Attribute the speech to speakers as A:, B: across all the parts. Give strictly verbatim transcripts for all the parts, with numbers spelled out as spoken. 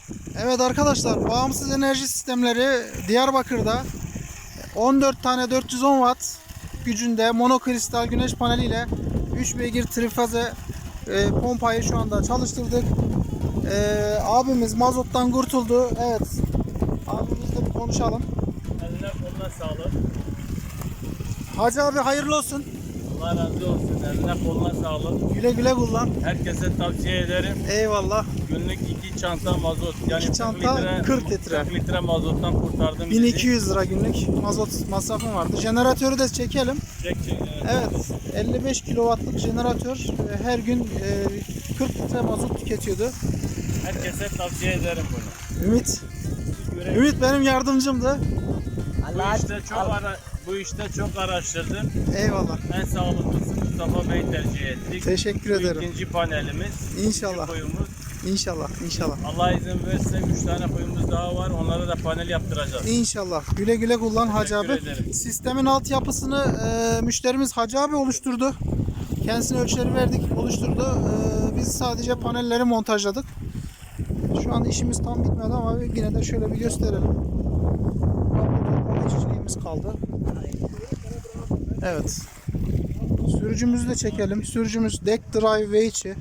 A: Evet arkadaşlar, bağımsız enerji sistemleri Diyarbakır'da on dört tane dört yüz on watt gücünde monokristal güneş paneliyle üç beygir trifaze e, pompayı şu anda çalıştırdık. E, abimiz mazottan kurtuldu. Evet. Abimizle bir konuşalım.
B: Eline koluna sağlık.
A: Hacı abi hayırlı olsun.
B: Allah razı olsun. Eline koluna sağlık.
A: Güle güle kullan.
B: Herkese tavsiye ederim.
A: Eyvallah.
B: Günlük iki çanta mazot. Yani
A: İki çanta kırk litre.
B: kırk litre mazottan kurtardım bizi.
A: bin iki yüz lira günlük mazot masrafım vardı. Jeneratörü de çekelim.
B: Çek çek.
A: Evet, elli beş kilowattlık jeneratör e, her gün e, kırk litre mazot tüketiyordu.
B: Herkese tavsiye ederim bunu.
A: Ümit,
B: Görev-
A: Ümit benim yardımcımdı.
B: Bu işte çok ara, bu işte çok araştırdım.
A: Eyvallah.
B: En sağlıklısı Mustafa Bey tercih ettik.
A: Teşekkür
B: Bu
A: ederim.
B: ikinci panelimiz.
A: İnşallah.
B: İkinci koyumuz.
A: İnşallah, inşallah.
B: Allah izin verirse üç tane koyumuz daha var. Onlara da panel yaptıracağız.
A: İnşallah. Güle güle kullan Hacı abi.
B: Teşekkür ederim.
A: Sistemin altyapısını e, müşterimiz Hacı abi oluşturdu. Kendisine ölçüleri verdik, oluşturdu. E, biz sadece panelleri montajladık. Şu anda işimiz tam bitmedi ama yine de şöyle bir gösterelim. İşçiliğimiz kaldı. Evet. Sürücümüzü de çekelim. Sürücümüz Deck Drive Veichi.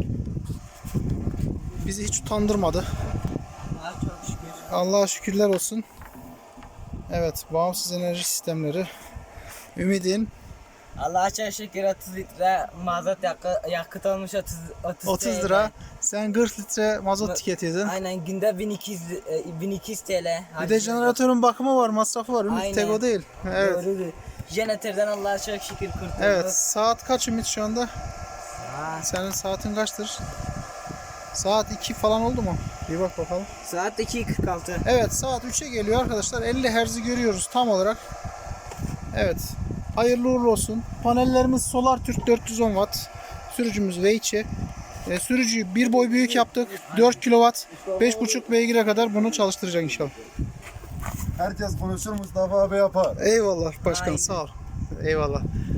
A: Bizi hiç utandırmadı.
C: Çok şükür.
A: Allah'a şükürler olsun. Evet, bağımsız enerji sistemleri. Ümidin
C: Allah'a çok şükür otuz litre mazot yakı, yakıt olmuş otuz, otuz,
A: otuz
C: T L.
A: lira. Sen kırk litre mazot
C: Bu-
A: tüketiyordun.
C: Aynen günde bin iki yüz, e, bin iki yüz T L.
A: Bir de jeneratörün bakımı var, masrafı var. Ümit
C: Aynen.
A: tek o değil. Evet.
C: Doğrudur. Jeneratörden Allah'a çok şükür kurtulduk.
A: Evet, saat kaç Ümit şu anda?
C: Saat,
A: Senin saatin kaçtır? Saat iki falan oldu mu? Bir bak bakalım.
C: saat iki kırk altı.
A: Evet, saat üçe geliyor arkadaşlar. elli hertz'i görüyoruz tam olarak. Evet. Hayırlı uğurlu olsun. Panellerimiz SolarTürk dört yüz on watt. Sürücümüz Veichi. E, sürücüyü bir boy büyük yaptık. dört kilowatt. beş buçuk beygire kadar bunu çalıştıracak inşallah.
D: Herkes konuşur, Mustafa abi yapar.
A: Eyvallah başkan,
C: Aynen.
A: sağ ol. Eyvallah.